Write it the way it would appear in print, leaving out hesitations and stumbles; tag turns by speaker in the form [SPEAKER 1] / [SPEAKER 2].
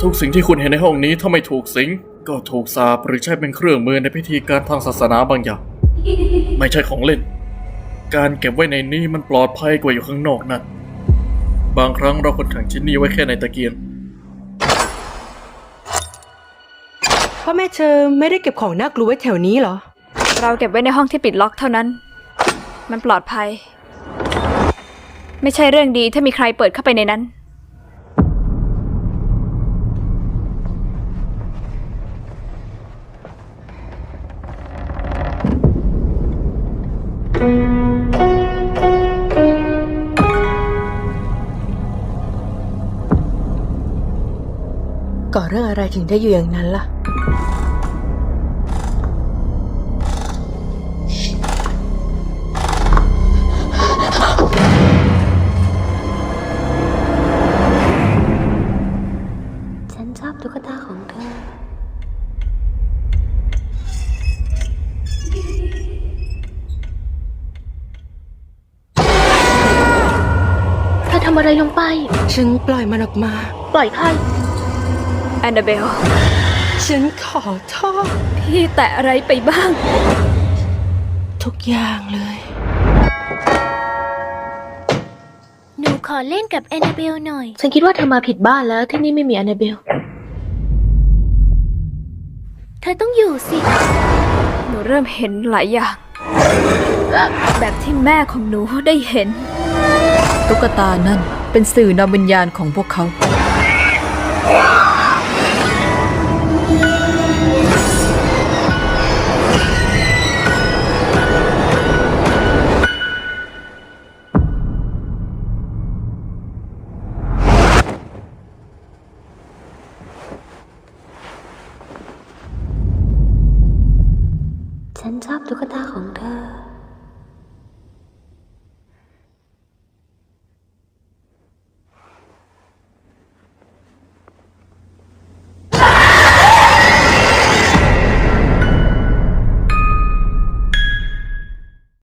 [SPEAKER 1] ทุกสิ่งที่คุณเห็นในห้องนี้ถ้าไม่ถูกสิงก็ถูกสาปหรือใช้เป็นเครื่องมือในพิธีการทางศาสนาบางอย่างไม่ใช่ของเล่นการเก็บไว้ในนี้มันปลอดภัยกว่าอยู่ข้างนอกนั่นบางครั้งเราควรขังชิ้นนี้ไว้แค่ในตะเกียง
[SPEAKER 2] พ่อแม่เธอไม่ได้เก็บของน่ากลัวไว้แถวนี้เหรอ
[SPEAKER 3] เราเก็บไว้ในห้องที่ปิดล็อกเท่านั้นมันปลอดภัยไม่ใช่เรื่องดีถ้ามีใครเปิดเข้าไปในนั้น
[SPEAKER 2] ก่อเรื่องอะไรถึงได้อยู่อย่างนั้นล่ะ
[SPEAKER 4] ฉันชอบตุ๊กตาของเธอเธอทำอะไรลงไป
[SPEAKER 2] ฉันปล่อยมันออกมา
[SPEAKER 4] ปล่อยใคร
[SPEAKER 3] แอนนาเบล
[SPEAKER 2] ฉันขอโทษ
[SPEAKER 3] พี่แตะอะไรไปบ้าง
[SPEAKER 2] ทุกอย่างเลย
[SPEAKER 4] หนูขอเล่นกับแอนนาเบลหน่อยฉันคิดว่าเธอมาผิดบ้านแล้วที่นี่ไม่มีแอนนาเบลเธอต้องอยู่สิ
[SPEAKER 3] หนูเริ่มเห็นหลายอย่างแบบที่แม่ของหนูได้เห็น
[SPEAKER 5] ตุ๊กตานั่นเป็นสื่อนำวิญญาณของพวกเขา
[SPEAKER 4] ฉันชอบตุ๊กตาของเธอ